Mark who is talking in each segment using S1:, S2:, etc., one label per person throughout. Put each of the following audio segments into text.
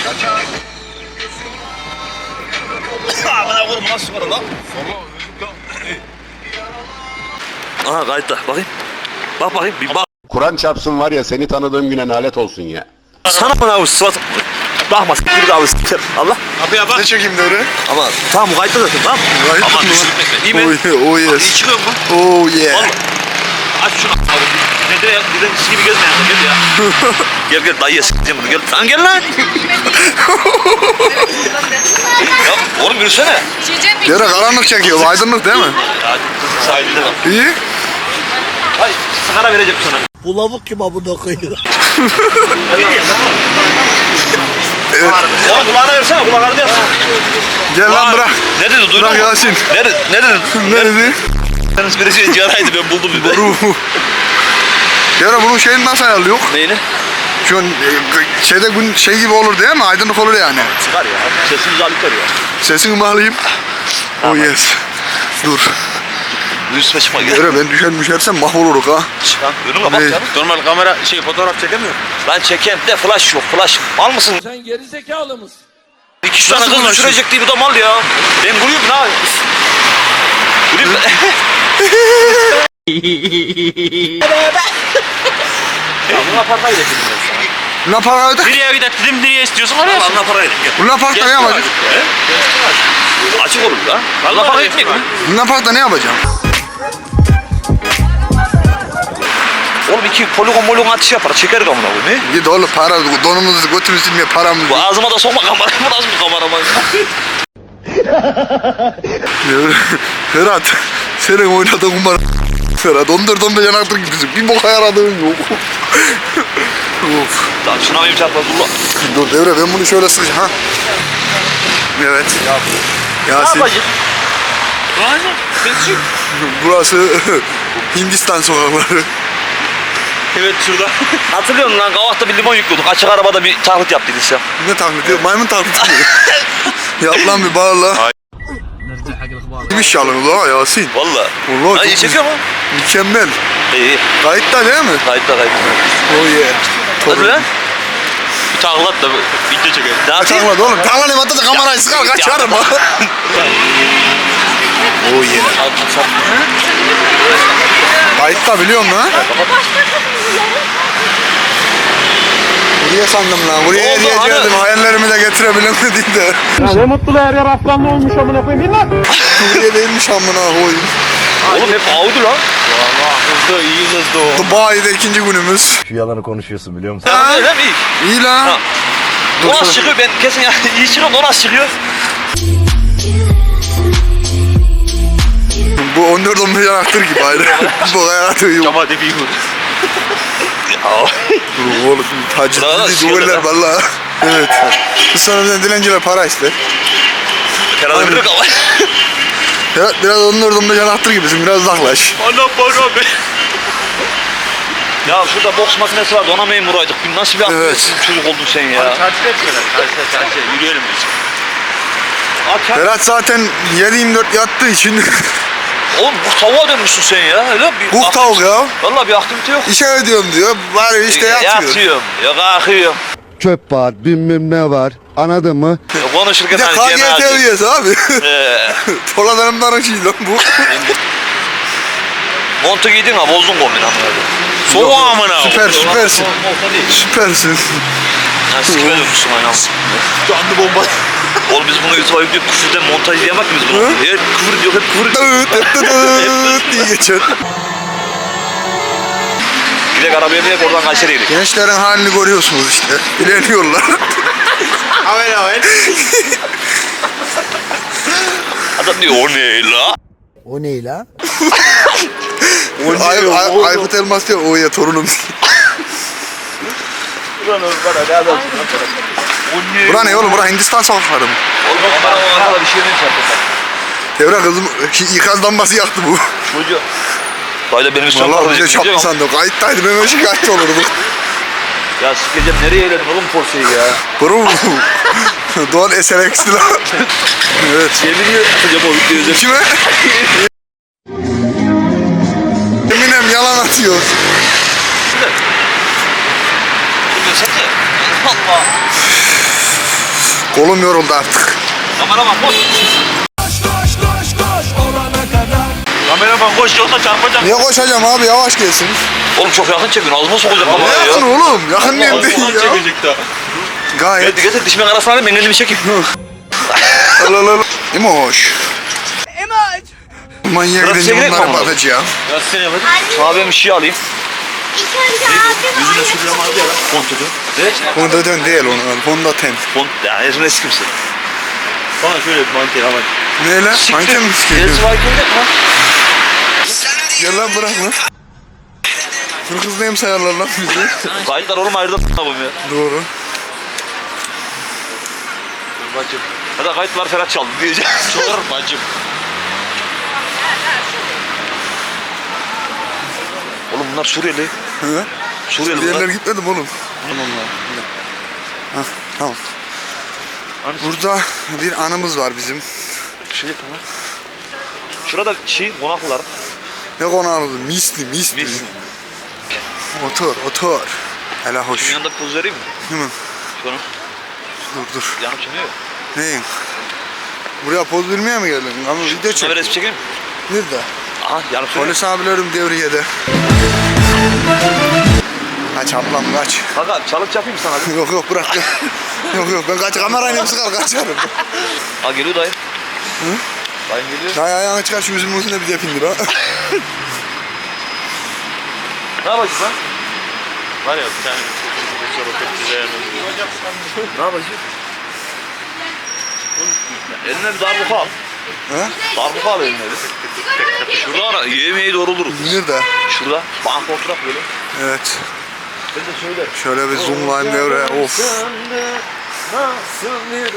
S1: Bana vurma nasıl var lan? Aha kayıtta bakayım. Bak bakayım bir bak.
S2: Kur'an çarpsın var ya seni tanıdığım güne nalet olsun ya.
S1: Sana bana avuç sıvat. Bakma bir avuç sıvat. Allah.
S3: Abi ya bak. Ne çekeyim de öyle?
S1: Ama tamam kayıtta zaten tamam. Aman düşürmek iyi mi?
S3: Oh yes.
S1: İyi çıkıyor mu?
S3: Oh yeah.
S1: Vallahi. Aç şunu abi. Nedir ya? Dirençsi gibi gezme yani. Gel ya. Gel dayıya sıkacağım bunu gel. Lan gel lan. Ya oğlum yürüsene.
S3: Yara karanlık çekiyor. Aydınlık değil mi?
S1: Ya sahilde bak.
S3: İyi.
S1: Hay sigara vereceğim sana.
S4: Bu lavuk kim abone koyuyor?
S1: Oğlum kulağına versene kulağını yapsın.
S3: Gel lan bırak.
S1: Ne dedi duydun
S3: Bırak
S1: mu?
S3: Yasin.
S1: Ne dedi?
S3: Ne dedi?
S1: Yalnız birisi ciğeraydı ben buldum bir de.
S3: Yara bunun şeyini nasıl ayarlıyor?
S1: Neyini?
S3: Şu an şeyde gün şey gibi olur değil mi? Aydınlık olur yani.
S1: Çıkar ya. Sesimizi alıp veriyor.
S3: Sesini mi alayım? Oh yes. Dur.
S1: Yüz saçma gel.
S3: Yara ben düşersem mahvoluruk ha.
S1: Çıkan. Önü kapat
S3: Evet.
S1: canım.
S5: Normal kamera fotoğraf çekemiyor.
S1: Ben çekeyim de flash yok flash. Mal mısın?
S4: Sen geri zekalı mısın?
S1: 200 tane
S3: Nasıl
S1: kız
S3: flash
S1: düşürecek diye bu da mal ya. Ben kuruyum ne abi? Kuruyum da. Ya buna parayı da gidelim ben sana.
S3: Luna Park'a
S5: Nereye gidelim, nereye istiyorsun oraya?
S1: Allah'ına para edin gel.
S3: Luna Park'ta ne yapacağız?
S1: Açık olur la. Allah para etmeyeyim mi?
S3: Luna Park'ta ne yapacağım?
S1: Oğlum iki poligon atış yapar. Çeker kamına bu ne?
S3: Git oğlum para, donumuzu götümüzü silmeye paramız
S1: Bu
S3: yok.
S1: ağzıma da sokma kamerayı. Bu nasıl bir kamera bak?
S3: Ferhat, senin oynadığın kumar Ferhat, 14-15 yanaktır gibisin. Bir boka yaradığın yok. Of.
S1: Lan şuna benim çarpmaz dur lan.
S3: Dur Devre, ben bunu şöyle sıkacağım. Ha. Evet.
S1: Ne
S3: Yasin,
S1: yapacağız? Aynen. Sesçi.
S3: burası Hindistan sokakları.
S1: Evet şurada. Hatırlıyor musun lan? Kavakta bir limon yüklüyorduk. Açık arabada bir taklit yaptıydık ya.
S3: Ne taklidi? Maymun taklidi mi? Yap lan bir bağla. Neymiş yalını la Yasin?
S1: Valla.
S3: Vallahi
S1: iyi
S3: çok
S1: çekiyor mu?
S3: mükemmel.
S1: İyi.
S3: Kayıtta değil mi?
S1: Kayıtta.
S3: Oh yeah.
S1: Hadi lan.
S5: Bir taklat da video çekelim.
S1: Ne yapayım?
S3: Takla oğlum. Takla ne battı da kamerayı sıkar kaçarım ha. Oh yeah. Kayıtta biliyor musun ha? Buraya sandım lan. Buraya
S1: Oldu,
S3: hediye
S1: hadi.
S3: geldim. Hayallerimi de getirebilemedim de.
S4: Ya ne mutlu her yer aslanlı olmuş amına koyayım lan.
S3: Buraya değilmiş amına koyayım.
S1: Oğlum hep Audi lan.
S5: Hızlı, iyi hızlı o.
S3: Dubai'de ikinci günümüz.
S2: Şu yalanı konuşuyorsun biliyor musun?
S1: Ha? Öyle mi? İyi.
S3: İyi lan.
S1: Ha.
S3: Dur,
S1: O nasıl
S3: dur.
S1: çıkıyor? Ben kesin ya iyi çıkıyor. O nasıl çıkıyor?
S3: Bu 14-15 yanaktır gibi ayrı. Bu hayatı yok.
S5: Ama de bir gün.
S3: Dur oğlum taciz
S1: Daha da
S3: değil
S1: sıkıyor
S3: duvarlar
S1: da.
S3: valla. Evet. Biz sonra bizden dilenciler para ister.
S1: Herhalde
S3: Aynen.
S1: bir ama.
S3: Ya biraz 14-15 yanaktır gibisin biraz uzaklaş.
S1: Anam bana be. Ya şurada boks makinesi vardı ona memuraydık. Nasıl bir
S3: Evet.
S1: çocuk oldun sen ya?
S5: Çarşı etmeler. Çarşı. Yürüyelim biz.
S1: Aç aç.
S3: Ferhat zaten 7-24 yattığı için
S1: Oğlum bu tavuğa dönmüşsün sen ya. Öyle bir
S3: kuk tavuk ya.
S1: Vallahi bir aktivite yok.
S3: İşe ödüyorum diyor. Bari işte yatıyor.
S1: Yatıyorum. Ya kalkıyorum.
S6: Çöp var, bilmem ne var. Anladın mı?
S1: Ya konuşurken
S3: Bir de
S1: hani
S3: KGT
S1: cenaze.
S3: üyesi abi.
S1: Ee,
S3: Polat Alemdar'ın şeyi lan bu.
S1: montu giydin ha bozdun kombinatları.
S5: Soğuk amına.
S3: Süper süpersin.
S1: Monta değil.
S3: Süpersin.
S1: Ya sikime dönmüşsün aynen.
S3: Canlı bomba.
S1: Oğlum biz bunu YouTube'a yükleyip küfürden montaj diye bak biz bunu.
S3: Hı?
S1: Hep küfür diyor hep küfür diyor.
S3: Dıt dıt dıt diye geçer.
S1: Gidek arabaya binek oradan Kayseri'ye gidelim.
S3: Gençlerin halini görüyorsunuz işte. İleniyorlar.
S1: Adam diyor o ne la?
S4: O ne la?
S3: Aykut Elmas diyor o ya torunum.
S1: Ulan oğlum bana ne adamsın lan sana.
S3: Bura ne oğlum bura Hindistan sokakları mı?
S1: Oğlum bak bana o arkada bir şey mi çarptı?
S3: Devre kızım ikaz lambası yaktı bu.
S1: Çocuğu. Dayla benim üstüme
S3: Vallahi
S1: kalkacak.
S3: bize çarptı sandım. Kayıttaydı ben öyle şikayetçi olurdum.
S1: Ya sikeceğim nereye eğledin oğlum Porsche'yi ya?
S3: Bro. Doğan SLX'ti lan. Evet.
S1: Yemin ediyorum atacağım o videoyu özür.
S3: Kime? Eminem yalan atıyor.
S1: Allah.
S3: Kolum yoruldu artık.
S1: Kameraman koş. Kameraman koş yoksa çarpacak.
S3: Niye koşacağım abi, yavaş gelsin.
S1: Oğlum çok yakın çekiyorsun. Ağzıma sokacak
S3: Ne
S1: kamerayı
S3: yakın
S1: ya.
S3: oğlum? Yakın nem değil
S5: Ağzından
S3: ya.
S5: çekecek daha.
S3: Gayet.
S1: Getir dişimin arasına alayım ben kendimi çekeyim.
S3: Al. İmoş. Manyak
S1: Bırak
S3: edince
S1: sigaret mi
S3: bunlara
S1: ama?
S3: bakacağım.
S5: Biraz sen yapalım.
S1: Sana ben bir şey alayım.
S7: İlk önce abim
S1: Yüzüne sürüyorum abi ya lan. Kontürü. Evet.
S3: Fondöten değil onu, fondöten.
S1: Kont... Ya eski kimsin?
S5: Bana şöyle bir mantel ama.
S3: Ne lan? Manken mi sikeyim?
S1: Gerisi var ki ha?
S3: Gel lan bırak lan. Dur kız neyim sayarlar lan bizi.
S1: Kayıtlar oğlum ayrıda yapalım ya.
S3: Doğru.
S1: Bacım. Hadi kayıtlar Ferhat çaldı diyeceğim.
S5: Çor bacım.
S1: Oğlum bunlar Suriyeli.
S3: Hı?
S1: Suriyeli
S3: Diğerler
S1: bunlar.
S3: gitmedim oğlum. Hah, tamam. Burada bir anımız var bizim.
S1: Şey tamam. Şurada konaklılar.
S3: Ne konağı? Misli.
S1: Misli.
S3: Otur. Hele hoş.
S1: Şunun yanında poz vereyim mi?
S3: Hemen.
S1: Şunu.
S3: Dur.
S1: Yanıp sönüyor.
S3: Neyin? Buraya poz vermeye mi geldin? Ama video
S1: Şuna bir
S3: çek.
S1: resim çekeyim mi?
S3: Nerede?
S1: Aha yanıp sönüyor.
S3: Polis abilerim devriyede. Kaç ablam kaç.
S1: Kanka çalık yapayım mı sana?
S3: Yok bırak. yok ben kaç kamerayla sıkar kaçarım.
S1: Aa geliyor dayı. Hı? Dayım geliyor.
S3: Dayı ayağını çıkar şu yüzümün üstüne bir depindir ha.
S1: Ne yapacaksın lan?
S5: Var ya bir tane çok roket dizayanı.
S1: Ne yapacaksın? Eline bir darbuka al.
S3: Ha?
S1: Darbuka al eline bir. Şurada ara yemeği doğruluruz.
S3: Nerede?
S1: Şurada. Bank oturak böyle.
S3: Evet.
S1: Ben de söyle.
S3: Şöyle bir zoomlayayım devre. Of.
S1: Nasıl bir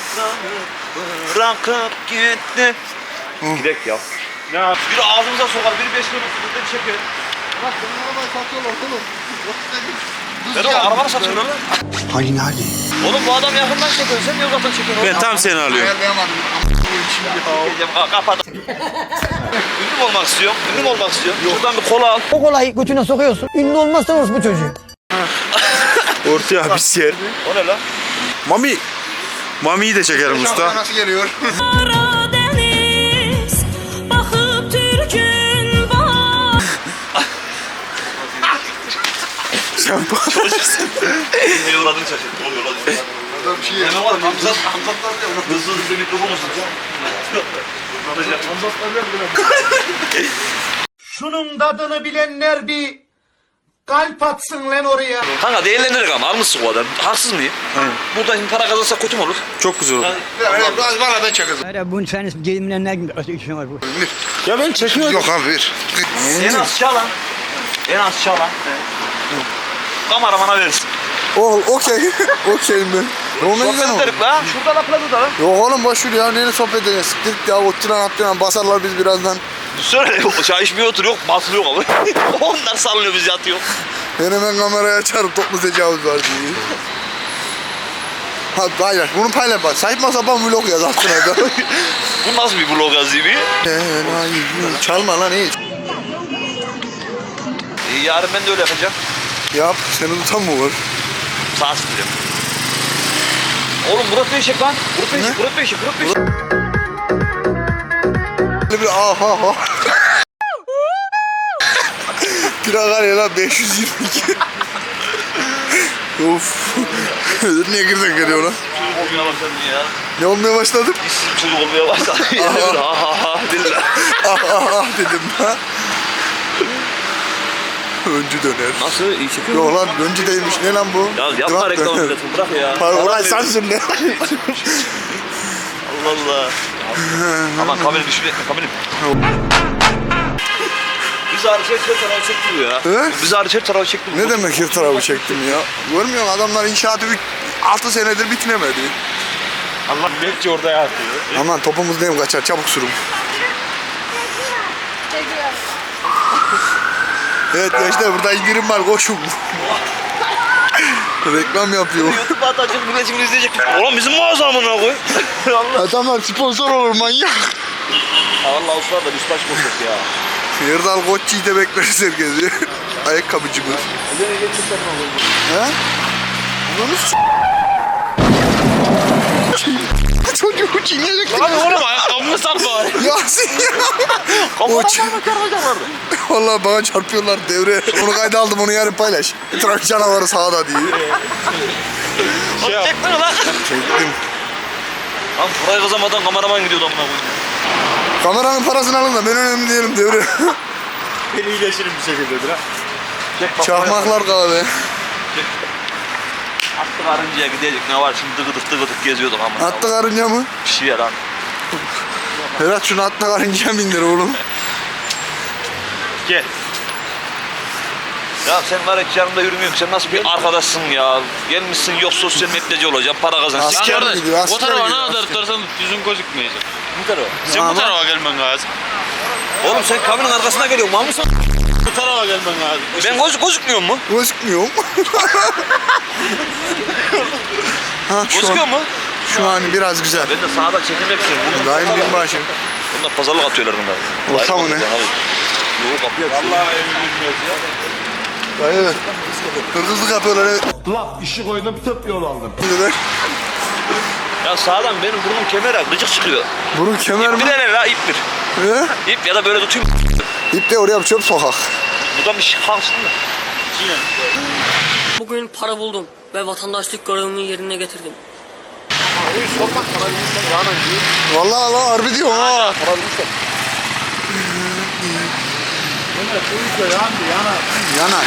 S1: bırakıp gitti. Gidek ya. Biri ağzımıza sokar, biri 5 kilometre çeker. Ben o arabanı satıyorlar lan.
S3: Hadi.
S1: Oğlum bu adam yakından çekiyor, sen niye uzaktan çekiyorsun?
S5: Ben tam seni alıyorum.
S3: Ayarlayamadım.
S1: Kapat. Ünlü olmak istiyorum. Şuradan bir kola al.
S4: O kolayı götüne sokuyorsun. Ünlü olmazsan bu çocuğu.
S5: Ortaya bir yer.
S1: O ne lan?
S5: Mami'yi de çekerim usta.
S3: Nasıl geliyor?
S7: Karadeniz bakıp Türk'ün var.
S3: Sen bak.
S1: Ne yolladığını şaşırdım. Ne oluyor lan?
S3: Adam bir şey
S1: Ne var? Hamzatlar diyor. Hızlı bir mikrofon olsun.
S4: Şunun tadını bilenler bir kalp atsın lan oraya.
S1: Kanka değerlendirerek ama almışsın o kadar. Haksız mıyım? Burada şimdi para kazansa kötü mü olur?
S5: Çok güzel oldu.
S3: Biraz bana ben çakızım.
S4: Hayır bunun senin gelimle ne işin var bu?
S5: Ya ben çekiyorum.
S3: Yok abi ver.
S1: En az çalan. Kameramana verirsin.
S3: Okey. Okeyim ben. Roma'ya
S1: Sohbet
S3: gidelim.
S1: ederim la. Şurada la plaza la.
S3: Yok oğlum boş ver ya. Neyle sohbet edeceğiz? Siktir ya. Otçulan atlayan basarlar biz birazdan.
S1: Söyle çay içmeye otur yok. Basılıyor abi. Onlar sallıyor biz yatıyor.
S3: Ben hemen kamerayı açarım. Toplu tecavüz var diye. Ha paylaş. Bunu paylaş bak. Saçma sapan vlog yaz aslında da.
S1: Bu nasıl bir vlog yazıyı?
S3: Çalma lan iyi.
S1: Yarın ben de öyle yapacağım.
S3: Yap. Senin tutan mı var?
S1: Sağ sıkacağım. Oğlum Murat Bey çek lan. Murat Bey çek.
S3: Böyle bir aha. Kira ya lan 522. Of. Niye girden geliyor lan?
S1: Çocuk olmaya başladın ya.
S3: Ne olmaya başladım?
S1: İşsiz çocuk olmaya başladı. Yani böyle ha dediler.
S3: Ah dedim ha. Öncü döner.
S1: Nasıl? İyi çekiyor
S3: Yok
S1: mu?
S3: lan öncü değilmiş. Ne lan bu?
S1: Ya yapma
S3: Durak
S1: reklam
S3: döner.
S1: milletin bırak ya.
S3: Orayı sansürle.
S1: Allah Allah. Aman kamera düşme. Kamerim. Biz hariç her tarafı çekti bu ya.
S3: He?
S1: Biz hariç her tarafı çekti bu.
S3: Ne demek her tarafı çektim ya? Görmüyor musun adamlar inşaatı 6 senedir bitiremedi.
S5: Allah belki orada yatıyor.
S3: Aman topumuz neyim kaçar çabuk sürün. Evet gençler burada indirim var koşun. Reklam yapıyor.
S1: YouTube'a atacak millet şimdi izleyecek. Oğlum bizim mağaza amına koy. Allah.
S3: Adamlar sponsor olur manyak.
S1: Allah usta da üst baş boşluk ya.
S3: Erdal Koçyi'yi de bekleriz herkesi. Ayakkabıcımız. He? Ananı Çiğneyecek.
S5: Abi oğlum ayakkabımı sar bari.
S3: Yasin ya. O Vallahi bana çarpıyorlar devre. Onu kayda aldım, onu yarın paylaş. Trafik canavarı sağda diye.
S1: Çektin mi lan?
S3: Çektim.
S1: Lan buraya kazamadan kameraman gidiyordu amına koyayım.
S3: Kameranın parasını alın da ben önemli değilim devre.
S5: Ben iyileşirim bir şekilde ha.
S3: Çakmaklar kahve.
S1: Attı karıncaya gidecek ne var şimdi dıgıdık geziyordum ama.
S3: Attı karınca mı?
S1: Bir şey ya lan.
S3: Berat şunu attı karıncaya bindir oğlum.
S1: Gel. Ya sen var hiç yanımda yürümüyorsun. Sen nasıl bir arkadaşsın ya? Gelmişsin yok sosyal medyacı olacaksın, para kazanacaksın.
S3: Asker
S5: Kardeş
S3: gidiyor,
S5: o
S3: asker
S5: tarafa ne
S3: gidiyor,
S5: kadar
S3: asker.
S5: tutarsan yüzün gözükmeyecek.
S1: Bu tarafa.
S5: Sen
S3: Ama-
S5: bu tarafa gelmen lazım.
S1: Oğlum sen kabinin arkasına geliyorsun. Mal mısın?
S5: Bu tarafa gelmen lazım.
S1: Ben gözükmüyor mu?
S3: Gözükmüyor mu? Ha,
S1: Gözüküyor mu?
S3: Şu an biraz güzel.
S1: Ben de sağda çekilmek istiyorum.
S3: Daim binbaşı.
S1: Bunda pazarlık atıyorlar bunlar.
S3: Orta mı ne?
S1: Yok kapıyı açıyor.
S5: Vallahi evi bilmiyoruz ya.
S3: Dayı. Hırsızlık yapıyorlar. Evet.
S4: Laf işi koydum tıp yol aldım.
S1: Ya sağdan benim burnum kemere gıcık çıkıyor.
S3: Bunun kemer mi?
S1: Bir de ne la ip bir.
S3: He?
S1: İp ya da böyle tutayım.
S3: İp de oraya çöp sokak.
S1: Buradan bir şey kalsın mı?
S8: Bugün para buldum ve vatandaşlık görevimi yerine getirdim.
S3: Vallahi Allah harbi diyor ha. Yanar.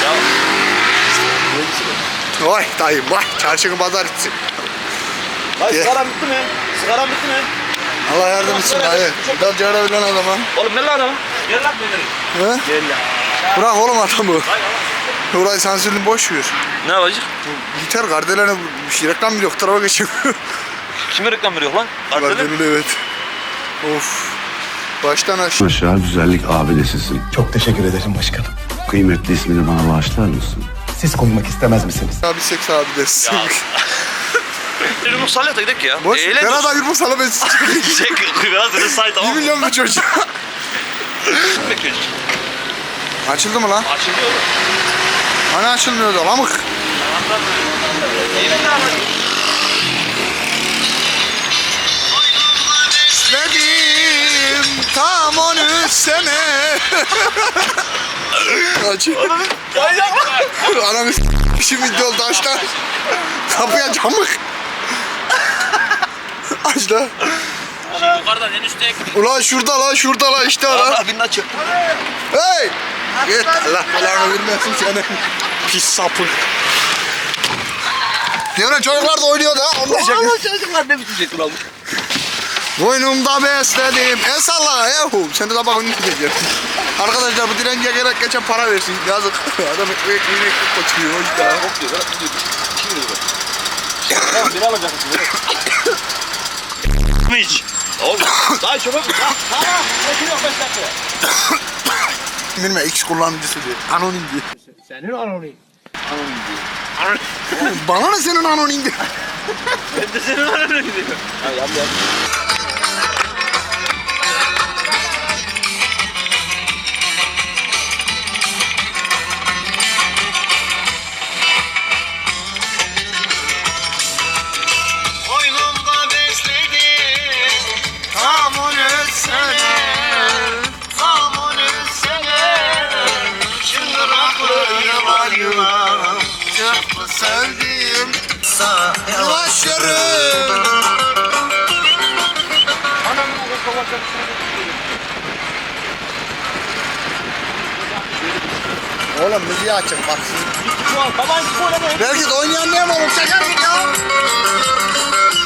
S3: Vay dayım vay. Çarşını pazar etsin.
S1: Lan
S3: Ye.
S1: sigaram bitti mi? Sigaram bitti mi?
S3: Allah yardım etsin dayı. Biraz cevap bilen adama.
S1: Oğlum gel lan adamı. Gel lan beni.
S3: He?
S1: Gel lan.
S3: Bırak oğlum adamı. Orayı sansürlü boş ver.
S1: Ne yapacak?
S3: Yeter kardelerine bir şey reklam bile yok. Tarafa geçiyor.
S1: Kime reklam veriyor lan? Kardeşim.
S3: Kardelerine evet. Of. Baştan aşağı.
S2: Aşağı güzellik abidesisin.
S9: Çok teşekkür ederim başkanım.
S2: Kıymetli ismini bana bağışlar mısın?
S9: Siz koymak istemez misiniz?
S3: Abi seks abi dersin.
S1: Ya. Yunus Salih'e gidelim ya.
S3: Boş. Ben adam yürümüş sana ben sizi çekeyim.
S1: Çek. Biraz da say
S3: 1
S1: tamam mı?
S3: milyon bir çocuk.
S1: Bekliyoruz.
S3: Açıldı mı lan?
S1: Açılıyor oğlum.
S3: Hani açılmıyordu lamık. Bekledim tam 13 sene. Aç. Ananı şimdi yol taşlar. Kapıya camık. Aç da.
S1: Yukarıdan en üstte
S3: Ulan şurada lan işte lan.
S1: abinin açı.
S3: Hey! Git Allah belanı vermesin seni. Pis sapık. Devre çocuklar da oynuyordu ha. Onu da çekin.
S1: Çocuklar ne bitecek lan?
S3: Boynumda besledim. El salla yahu. Sen de sabah önünü gideceksin. Arkadaşlar bu direnciye gerek geçen para versin. Yazık. Adam ekmek koçuyor. Hoş da.
S1: Tamam biri alacak mısın? Hiç. Oğlum daha çok yok. Tamam. Bekliyor 5 dakika.
S3: Bilmem X kullanıcısı diye. Anonim diye.
S4: Senin anonim.
S3: Bana ne senin anonim diye.
S1: Ben de senin önüne gidiyorum. Ha yap.
S3: Boynumda besledim. Tam 13 sene. Tam 13 sene. Çıngıraklı yılan. Çok mu sevdim. Yavaş yürü. Oğlum müziği açın bak. Belki de oynayan ne olur çeker ya.